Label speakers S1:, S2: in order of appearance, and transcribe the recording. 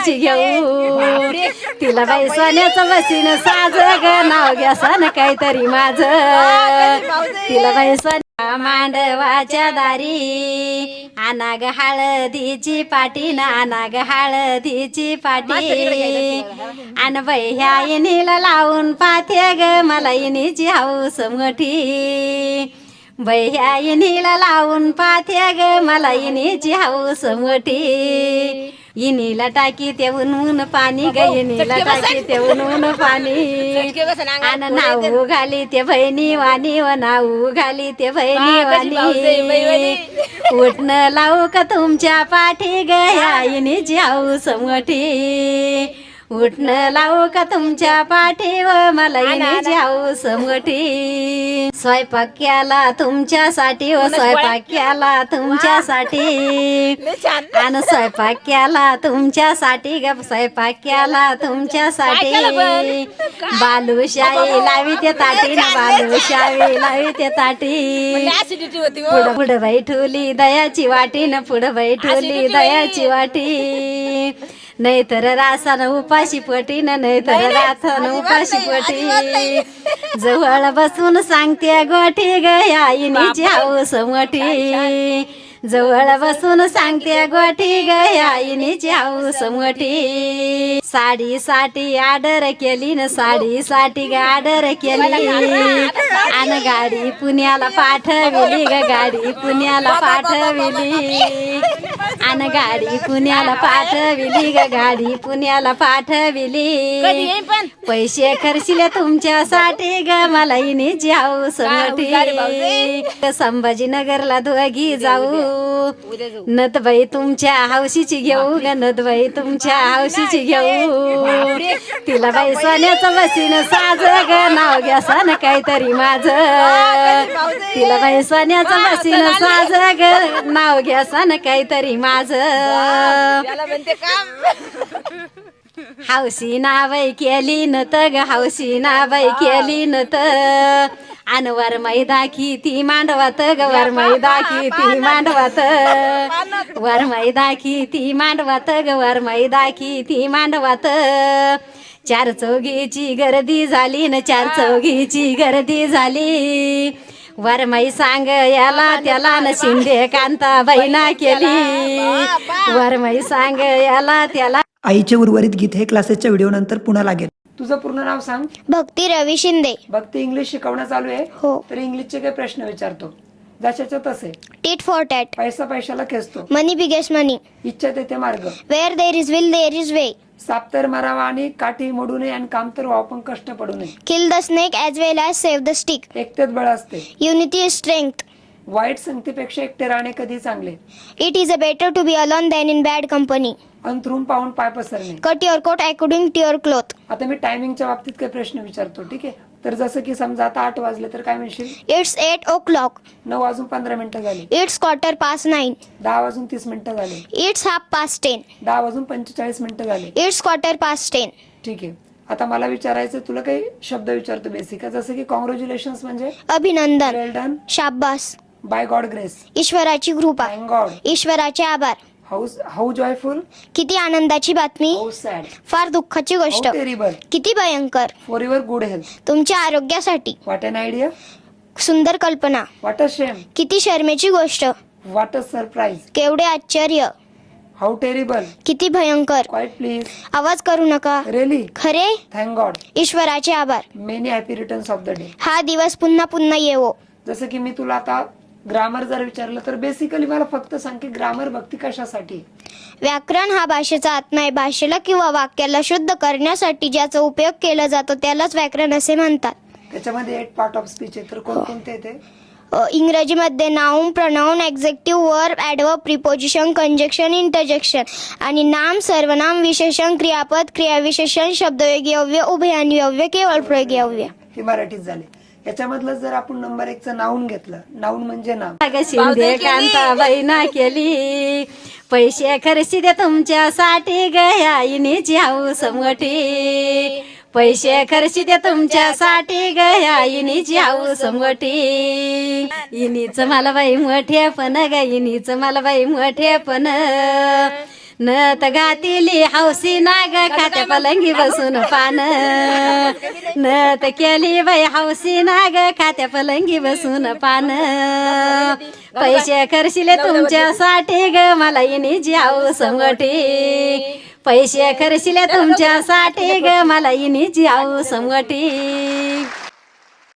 S1: हौशीची घेऊ तिला बाई सोन्याचं बसीन साज ग नाव घ्या सन काहीतरी माझं तिला बाई सोन्या मांडवाच्या दारी आणा ग हळदीची पाटी ना आणा ग हळदीची पाटी आण बाई ह्या इनीला लावून पाथे ग मला इनीची हौस मोठी बाई ह्या इनीला लावून पाथे ग मला इनीची हौस मोठी इनीला टाकी ते ऊन पाणी ग इनीला टाकी ते ऊन पाणी आन नाऊ घाली ते बहिणी वाणी व नाऊ घाली ते बहिणी वाणी उठणं लावू का तुमच्या पाठी ग ह्या इनीची हौस मोठी उठणं लावू का तुमच्या पाठी व मला इनीची हौस मोठी स्वयंपाक केला तुमच्यासाठी व स्वयंपाक केला तुमच्यासाठी आणि स्वयंपाक केला तुमच्यासाठी ग स्वयंपाक केला तुमच्यासाठी बालुशाही लावी ते ताटी ना बालुशाही लावी ते ताटी पुढं पुढं बाई ठुली दयाची वाटी न पुढं बाई ठुली दयाची वाटी नाहीतर रासान उपाशी पटी न नाहीतर राथन उपाशी पटी जवळ बसून सांगते गोठी ग या इनीची हौस मोठी जवळ बसून सांगते गोठी ग या इनीची हौस मोठी साडीसाठी ऑर्डर केली न साडीसाठी ग ऑर्डर केली आणि गाडी पुण्याला पाठविली ग गाडी पुण्याला पाठविली आणि गाडी पुण्याला पाठविली ग गाडी पुण्याला पाठविली पैसे खर्चिले तुमच्यासाठी ग मला इनीची हौस मोठी संभाजीनगरला दोघी जाऊ नतबाई तुमच्या हौशीची घेऊ ग नतबाई तुमच्या हौशीची घेऊ तिला बाई सोन्याचं बसीन साज ग नाव घ्या सन काहीतरी माझं तिला बाई सोन्याचं बसीन साज ग नाव घ्या सन काहीतरी माझं हौशी नावय केली नत ग हौशी नावय केली नत आन वर मैदाखी ती मांडवात ग वर मैदाखी ती मांडवात वर मैदाखी ती मांडवात ग वर मैदाखी ती मांडवात चार चौघीची गर्दी झाली न चार चौघीची गर्दी झाली वरमाई सांग याला त्याला न शिंदे कांता बहिणा केली वरमाई सांग याला त्याला
S2: आईचे उर्वरित गीत हे क्लासेसच्या व्हिडिओ नंतर पुन्हा लागेल. तुझं पूर्ण नाव सांग.
S3: भक्ती रवी शिंदे.
S2: भक्ती इंग्लिश शिकवणं चालू आहे.
S3: हो.
S2: तर इंग्लिशचे काही प्रश्न विचारतो जशाच्या तसे.
S3: Tit for tat.
S2: पैसा पैशाला खेचतो.
S3: Money biggest money.
S2: इच्छा तेथे मार्ग.
S3: Where there is will there is way.
S2: साप तर मारावा आणि काठी मोडू नये आणि काम तर व्हावं पण कष्ट पडू नये.
S3: Kill the snake as well as save the stick.
S2: एकतेत बळ असते.
S3: Unity is strength.
S2: वाईट संगतीपेक्षा एकटे राहणे कधी चांगले.
S3: It is a better to be alone than in bad company.
S2: अंथरूण पाहून पाय पसरणे.
S3: Cut your coat according to your cloth.
S2: आता मी टायमिंगच्या बाबतीत काही प्रश्न विचारतो. ठीक आहे. तर जसं की समजा आता 8 वाजले तर काय म्हणशील.
S3: It's 8 o'clock.
S2: 9 वाजून 15 मिनिटं झाली.
S3: It's quarter past 9.
S2: 10 वाजून 30 मिनिटं झाली.
S3: It's half past 10.
S2: 10 वाजून 45 मिनिटं झाली.
S3: It's quarter past 10.
S2: ठीक आहे. आता मला विचारायचं तुला काही शब्द विचारतो बेसिक. जसं की कॉंग्रॅच्युलेशन्स म्हणजे
S3: अभिनंदन.
S2: Well done.
S3: शाबास.
S2: By God grace.
S3: ईश्वराची कृपा.
S2: Thank God.
S3: ईश्वराचे आभार.
S2: How joyful.
S3: किती आनंदाची बातमी.
S2: How sad.
S3: फार दुःखाची गोष्ट.
S2: टेरिबल.
S3: किती भयंकर.
S2: For your good health.
S3: तुमच्या आरोग्यासाठी.
S2: What an idea.
S3: सुंदर कल्पना.
S2: What a shame.
S3: किती शर्मेची गोष्ट.
S2: What a surprise.
S3: केवढे आश्चर्य.
S2: How terrible.
S3: किती भयंकर.
S2: Quiet please.
S3: आवाज करू नका.
S2: रिअली.
S3: खरे.
S2: Thank God.
S3: ईश्वराचे आभार.
S2: Many happy returns of the day.
S3: हा दिवस पुन्हा पुन्हा येवो.
S2: जसं की मी तुला आता ग्रामर जर विचारलं तर बेसिकली मला फक्त सांग की ग्रामर भक्ती कशासाठी.
S3: व्याकरण हा भाषेचा आत्मा आहे. भाषेला किंवा वाक्याला शुद्ध करण्यासाठी ज्याचा उपयोग केला जातो त्यालाच व्याकरण असे म्हणतात.
S2: त्याच्यामध्ये 8 पार्ट ऑफ स्पीच आहे. तर कोणकोणते ते.
S3: इंग्रजीमध्ये noun, pronoun, adjective, verb, adverb, preposition, conjunction, interjection आणि नाम, सर्वनाम, विशेषण, क्रियापद, क्रियाविशेषण, शब्दयोगी अव्यय, उभयान्वी अव्यय, केवळ प्रयोगी अव्यय.
S2: हे मराठीत झाले. याच्यामधलं जर आपण नंबर 1 चं नाऊन घेतलं. नाऊन म्हणजे नाम.
S1: शिंदे कांता बहिणा केली पैसे खर्ची दे तुमच्यासाठी ग ह्या इनीची हौस मोठी पैसे खर्ची दे तुमच्यासाठी ग ह्या इनीची हौस मोठी इनीच मला बाई मोठे पण ग इनीच मला बाई मोठे पण नत घातिली हौसी नाग खात्या पलंगी बसून पान नत केली बाई हौसी नाग खात्या पलंगी बसून पान पैसे खर्चिले तुमच्यासाठी ग मला इनी जाऊ समटी पैसे खर्चिले तुमच्यासाठी ग मला इनी जाऊ समटी